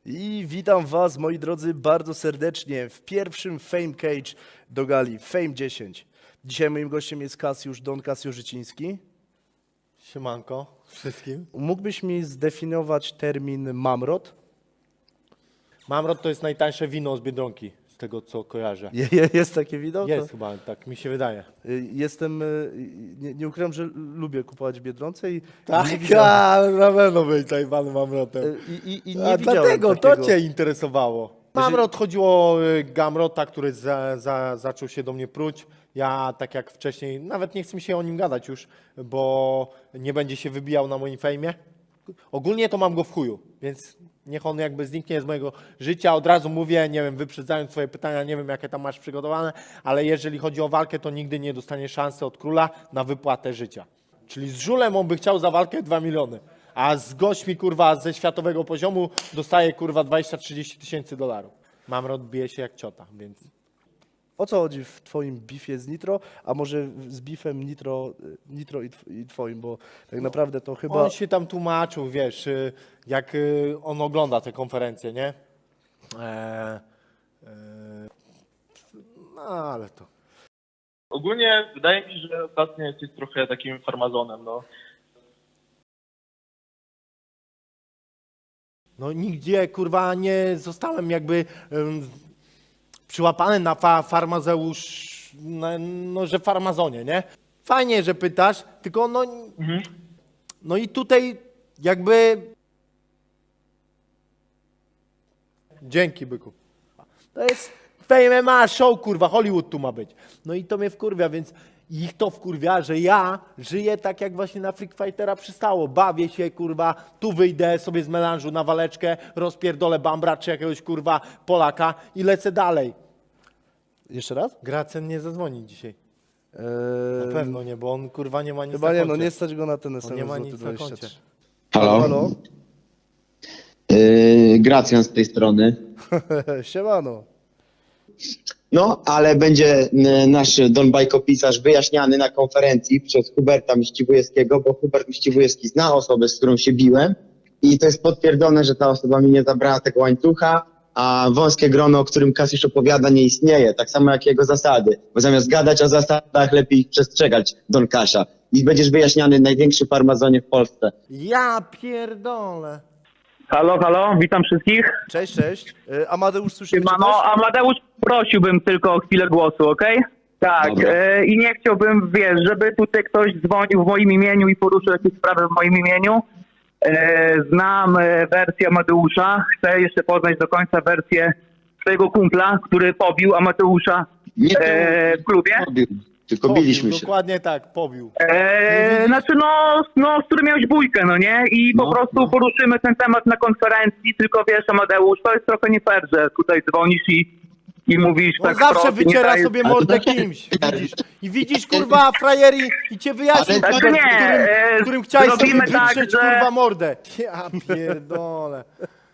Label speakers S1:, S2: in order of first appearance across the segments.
S1: I witam was, moi drodzy, bardzo serdecznie w pierwszym Fame Cage do gali Fame 10. Dzisiaj moim gościem jest Don Kasio Życiński.
S2: Siemanko wszystkim.
S1: Mógłbyś mi zdefiniować termin mamrot?
S2: Mamrot to jest najtańsze wino z Biedronki, z tego co kojarzę.
S1: Jest takie wideo?
S2: Jest chyba, tak mi się wydaje.
S1: Nie ukrywam, że lubię kupować w Biedronce i
S2: Tak,
S1: nie widziałem,
S2: na pewno być zajebany mamrotem.
S1: i nie
S2: A
S1: widziałem
S2: dlatego
S1: takiego.
S2: to cię interesowało. Mamrot chodziło o Gamrota, który zaczął się do mnie pruć. Ja tak jak wcześniej, nawet nie chcę mi się o nim gadać już, bo nie będzie się wybijał na moim fejmie. Ogólnie to mam go w chuju, więc niech on jakby zniknie z mojego życia. Od razu mówię, nie wiem, wyprzedzając twoje pytania, nie wiem jakie tam masz przygotowane, ale jeżeli chodzi o walkę, to nigdy nie dostanie szansy od króla na wypłatę życia. Czyli z żulem on by chciał za walkę 2 miliony, a z gośćmi kurwa ze światowego poziomu dostaje kurwa 20-30 tysięcy dolarów. Mamrot bije się jak ciota, więc...
S1: O co chodzi w twoim bifie z Nitro, a może z bifem Nitro i twoim, bo tak naprawdę to chyba...
S2: On się tam tłumaczył, wiesz, jak on ogląda te konferencje, nie? No ale to...
S3: Ogólnie wydaje mi się, że ostatnio jesteś trochę takim farmazonem, no.
S2: No nigdzie kurwa nie zostałem jakby przyłapany na farmazeusz, no że farmazonie, nie? Fajnie, że pytasz, tylko no, no i tutaj jakby... Dzięki byku. To jest Fame MMA show, kurwa, Hollywood tu ma być. No i to mnie wkurwia, więc ich to wkurwia, że ja żyję tak jak właśnie na Freak Fightera przystało. Bawię się, kurwa, tu wyjdę sobie z melanżu na waleczkę, rozpierdolę Bambra czy jakiegoś, kurwa, Polaka i lecę dalej.
S1: Jeszcze raz?
S2: Gracen nie zadzwoni dzisiaj. Na pewno nie, bo on, kurwa, nie ma nic
S1: Chyba
S2: na
S1: nie,
S2: koncie.
S1: no nie stać go na ten
S2: On
S1: SMS
S2: nie ma
S1: złoty
S2: nic na
S1: 23.
S2: koncie.
S4: Halo,
S1: Halo?
S4: Gracjan z tej strony.
S1: Siemano.
S4: No, ale będzie nasz Don Bajkopisarz wyjaśniany na konferencji przez Huberta Miściwujewskiego, bo Hubert Miściwujewski zna osobę, z którą się biłem i to jest potwierdzone, że ta osoba mi nie zabrała tego łańcucha, a wąskie grono, o którym Kasiusz opowiada, nie istnieje, tak samo jak jego zasady, bo zamiast gadać o zasadach, lepiej ich przestrzegać, Don Kasia. I będziesz wyjaśniany największy farmazonie w Polsce.
S2: Ja pierdolę.
S5: Halo, halo, witam wszystkich.
S1: Cześć, cześć. Amadeusz, słyszysz mnie
S5: Siemano,
S1: też?
S5: Amadeusz, prosiłbym tylko o chwilę głosu, okej? Tak,
S4: Dobra.
S5: i nie chciałbym, wiesz, żeby tutaj ktoś dzwonił w moim imieniu i poruszył jakieś sprawy w moim imieniu. Znam wersję Amadeusza, chcę jeszcze poznać do końca wersję swojego kumpla, który pobił Amadeusza
S4: Nie
S5: w klubie.
S4: pobił, tylko biliśmy się.
S2: Dokładnie tak, pobił.
S5: Znaczy z którym miałeś bójkę, no nie? I po
S4: No,
S5: prostu
S4: no.
S5: poruszymy ten temat na konferencji, tylko wiesz, Amadeusz, to jest trochę nie fair, że tutaj dzwonisz i mówisz
S2: On
S5: tak
S2: zawsze
S5: wprost i nie
S2: wyciera
S5: dajesz-
S2: sobie
S4: Ale to
S2: mordę
S4: tak-
S2: kimś, widzisz? I widzisz, kurwa, frajeri i cię wyjaśnił,
S4: Ale
S5: Znaczy nie,
S2: którym chciałeś sobie
S5: zrobimy tak,
S2: wytrzeć,
S5: że
S2: kurwa, mordę. Ja pierdolę.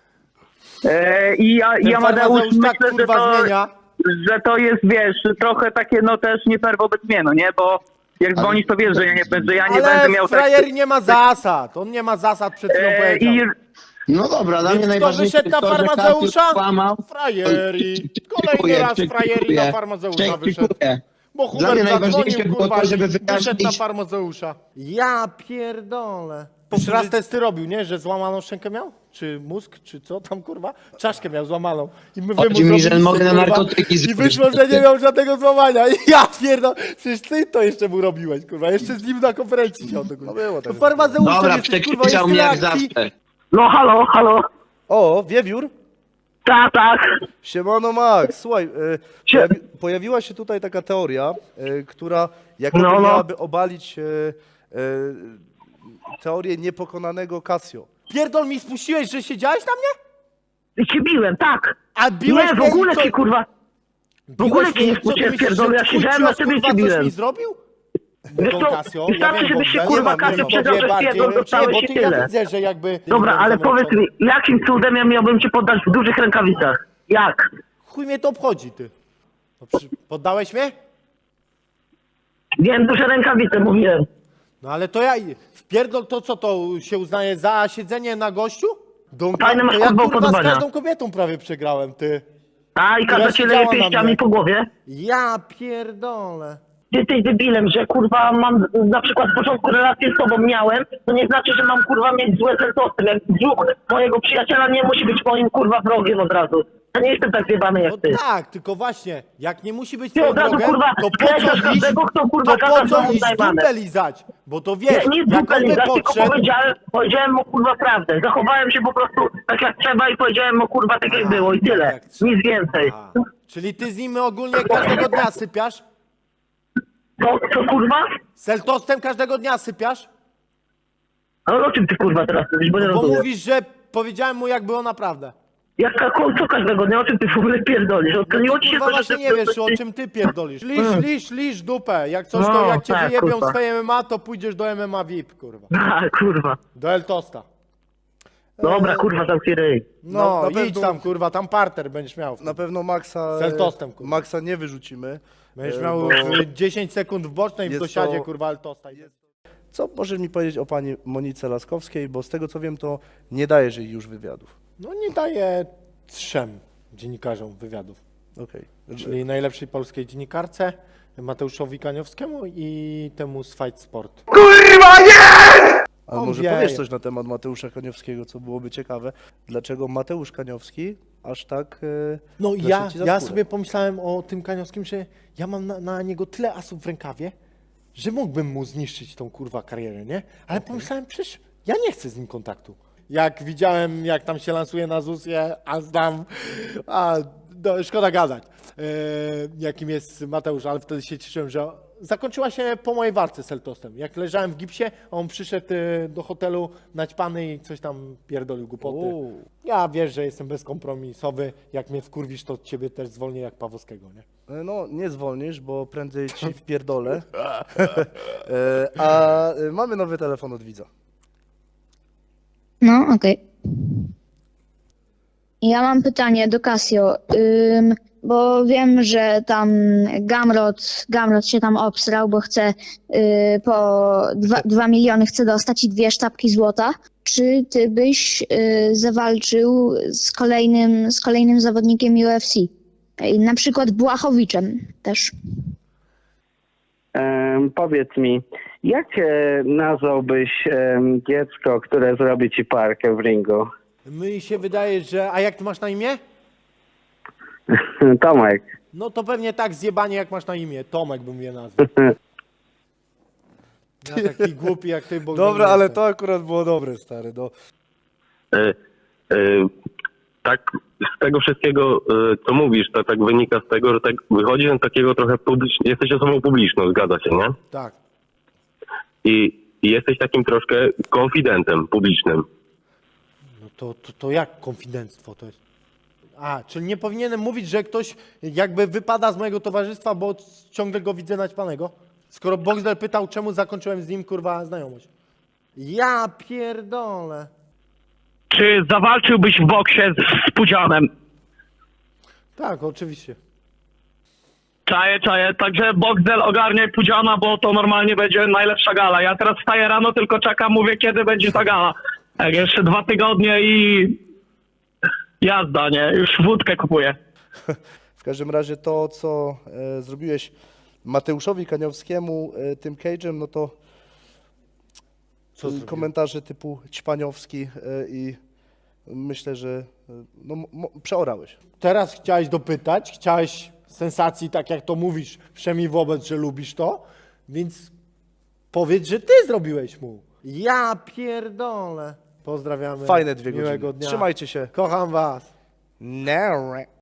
S5: i
S2: Ten
S5: Amadeusz
S2: farmazeusz tak,
S5: myślę,
S2: kurwa, zmienia.
S5: że to jest, wiesz, trochę takie no też nie fair wobec mnie, no nie? Bo jak
S4: Ale-
S5: dzwonisz, to wiesz, że ja nie będę
S2: Ale
S5: miał
S2: frajer nie ma zasad, on nie ma zasad, przed chwilą powiedział.
S5: i
S4: No dobra, dla
S2: Więc
S4: mnie
S2: kto
S4: najważniejsze
S2: wyszedł na
S4: jest to, że
S2: farmazeusza?
S4: Kasiusz kłamał.
S2: Frajeri. Kolejny raz frajeri na farmazeusza wyszedł. Bo
S4: Dla mnie
S2: Hubert
S4: najważniejsze
S2: zadzwonił,
S4: było
S2: kurwa,
S4: to, żeby
S2: i wyszedł na
S4: wyjaśnić...
S2: farmazeusza. Ja pierdolę. Już raz testy robił, nie? Że złamaną szczękę miał? Czy mózg, czy co tam, kurwa? Czaszkę miał złamaną. I my
S4: Chodzi mi, że mogę na narkotyki
S2: I
S4: zrobić.
S2: wyszło, że nie miał żadnego złamania. I ja pierdolę. Przecież ty to jeszcze mu robiłeś, kurwa. Jeszcze z nim na konferencji się
S1: No było tak.
S2: Farmazeuszem
S4: Dobra,
S2: jesteś, kurwa,
S4: przekrzyczał
S2: jest
S4: mnie jak
S2: tyle akcji.
S4: zawsze.
S5: No halo,
S1: O, Wiewiór.
S5: tak.
S1: Siemano Max, słuchaj,
S5: Sie-
S1: pojawiła się tutaj taka teoria, która jakoby
S5: No.
S1: miałaby obalić teorię niepokonanego Casio.
S2: Pierdol mi spuściłeś, że siedziałeś na mnie?
S5: Cię biłem, tak.
S2: A biłeś
S5: Nie, w
S2: mnie i
S5: ogóle
S2: co?
S5: cię, kurwa. W ogóle cię nie spuściłem, pierdolę, ja siedziałem na ciebie i cię
S2: coś
S5: biłem.
S2: mi zrobił?
S5: Wiesz
S2: Don
S5: co,
S2: Casio,
S5: wystarczy,
S2: ja wiem,
S5: żebyś się,
S2: bo ja
S5: kurwa,
S2: nie mam,
S5: Casio
S2: nie
S5: przyznał,
S2: wiem,
S5: że
S2: bardziej,
S5: pierdol dostałeś
S2: bo
S5: i
S2: ty ja
S5: tyle.
S2: widzę, że jakby...
S5: Dobra, ale powiedz mi, jakim cudem ja miałbym cię poddać w dużych rękawicach? Jak?
S2: Chuj mnie to obchodzi, ty. No, poddałeś mnie?
S5: Wiem, duże rękawice, mówiłem.
S2: No ale to ja... Wpierdol to, co to się uznaje za siedzenie na gościu? Donka,
S5: Fajne masz,
S2: to ja
S5: kurwa,
S2: kurwa z
S5: upodobania.
S2: każdą kobietą prawie przegrałem, ty.
S5: A i
S2: Która
S5: każda cię
S2: siedziała
S5: leje
S2: na
S5: pięściami
S2: mnie.
S5: po głowie?
S2: Ja pierdolę.
S5: Ty jesteś debilem, że kurwa mam na przykład w początku relację z tobą miałem, to nie znaczy, że mam kurwa mieć złe sensowne. Jak brzuch mojego przyjaciela nie musi być moim kurwa wrogiem od razu. Ja nie jestem tak zjebany jak
S2: No
S5: ty.
S2: tak, tylko właśnie, jak nie musi być
S5: Ty
S2: twoim
S5: od razu,
S2: drogiem,
S5: kurwa,
S2: to po co
S5: klękasz
S2: iść,
S5: każdego, kto, kurwa,
S2: to
S5: gada
S2: po
S5: z
S2: co
S5: domu
S2: iść
S5: zajebane.
S2: dupę lizać? Bo to
S5: Nie,
S2: wiesz,
S5: nie
S2: jak on
S5: dupę
S2: by
S5: lizać, tylko
S2: podszedł,
S5: powiedziałem mu kurwa prawdę. Zachowałem się po prostu tak jak trzeba i powiedziałem mu kurwa tak jak było i tyle.
S2: jak trzeba.
S5: Nic więcej.
S2: A, czyli ty z nim ogólnie każdego dnia sypiasz?
S5: Co kurwa?
S2: Seltostem każdego dnia sypiasz?
S5: Ale o czym ty kurwa teraz mówisz, bo nie
S2: Bo
S5: rozumiem.
S2: mówisz, że powiedziałem mu jak było naprawdę.
S5: Co każdego dnia, o czym ty w ogóle pierdolisz? Odkryło ci się
S2: Kurwa
S5: to, że
S2: właśnie
S5: ty-
S2: nie wiesz, o czym ty pierdolisz. Lisz dupę. Jak coś, to
S5: No,
S2: jak cię
S5: tak,
S2: wyjebią
S5: kurwa.
S2: z twojej MMA, to pójdziesz do MMA VIP, kurwa.
S5: A, kurwa.
S2: Do Eltosta.
S5: Dobra, kurwa, zamknij ryj.
S2: No,
S1: na
S2: idź
S1: pewno-
S2: tam, kurwa, tam parter będziesz miał.
S1: Na pewno Maxa,
S2: Z Eltostem, kurwa.
S1: Maxa nie wyrzucimy.
S2: Będziesz
S1: e,
S2: miał
S1: bo-
S2: 10 sekund w bocznej w
S1: jest
S2: dosiadzie,
S1: to-
S2: kurwa, Eltosta.
S1: Co możesz mi powiedzieć o pani Monice Laskowskiej, bo z tego co wiem, to nie dajesz jej już wywiadów.
S2: No nie daje 3 dziennikarzom wywiadów.
S1: Okej.
S2: Czyli najlepszej polskiej dziennikarce, Mateuszowi Kaniowskiemu i temu z Fight Sport.
S1: Ale
S2: On
S1: może
S2: wie.
S1: powiesz coś na temat Mateusza Kaniowskiego, co byłoby ciekawe. Dlaczego Mateusz Kaniowski aż tak
S2: No
S1: weszł
S2: ja,
S1: ci za
S2: ja
S1: skórę?
S2: sobie pomyślałem o tym Kaniowskim, że ja mam na niego tyle asów w rękawie, że mógłbym mu zniszczyć tą kurwa karierę, nie? Ale pomyślałem, przecież ja nie chcę z nim kontaktu. Jak widziałem, jak tam się lansuje na ZUS-ie, szkoda gadać, jakim jest Mateusz, ale wtedy się cieszyłem, że zakończyła się po mojej walce z Eltostem. Jak leżałem w gipsie, a on przyszedł do hotelu naćpany i coś tam pierdolił głupoty.
S1: Uuu.
S2: Ja wiesz, że jestem bezkompromisowy. Jak mnie wkurwisz, to ciebie też zwolnię jak Pawłowskiego, nie?
S1: No, nie zwolnisz, bo prędzej ci wpierdolę. A mamy nowy telefon od widza.
S6: No, okej. Ja mam pytanie do Casio, bo wiem, że tam Gamrot się tam obsrał, bo chce po 2 miliony chce dostać i 2 sztabki złota. Czy ty byś zawalczył z kolejnym zawodnikiem UFC? Na przykład Błachowiczem też.
S5: Powiedz mi, jak nazwałbyś dziecko, które zrobi ci parkę w ringu?
S2: Mi się wydaje, że... A jak ty masz na imię?
S5: Tomek.
S2: No to pewnie tak zjebanie, jak masz na imię. Tomek bym je nazwał. Ja taki głupi jak ty, bo...
S1: Dobra, ale to akurat było dobre, stary. No.
S7: Tak, z tego wszystkiego, co mówisz, to tak wynika z tego, że tak wychodzi na takiego trochę jesteś osobą publiczną, zgadza się, nie?
S2: Tak.
S7: I jesteś takim troszkę konfidentem publicznym.
S2: No to jak konfidenctwo to jest? A, czyli nie powinienem mówić, że ktoś jakby wypada z mojego towarzystwa, bo ciągle go widzę naćpanego? Skoro Boxdel pytał, czemu zakończyłem z nim, kurwa, znajomość. Ja pierdolę.
S5: Czy zawalczyłbyś w boksie z Pudzianem?
S2: Tak, oczywiście.
S5: Czaję. Także Boxdel ogarnie Pudziana, bo to normalnie będzie najlepsza gala. Ja teraz wstaję rano, tylko czekam, mówię, kiedy będzie ta gala. Jak jeszcze 2 tygodnie i jazda, nie? Już wódkę kupuję.
S1: W każdym razie to, co zrobiłeś Mateuszowi Kaniowskiemu tym cage'em, no to
S2: Co zrobiłem?
S1: komentarze typu ćpaniowski i myślę, że no, przeorałeś.
S2: Teraz chciałeś dopytać, chciałeś sensacji, tak jak to mówisz, przynajmniej wobec, że lubisz to, więc powiedz, że ty zrobiłeś mu. Ja pierdolę. Pozdrawiamy.
S1: Fajne 2 godziny.
S2: Miłego dnia.
S1: Trzymajcie się.
S2: Kocham was.
S1: No.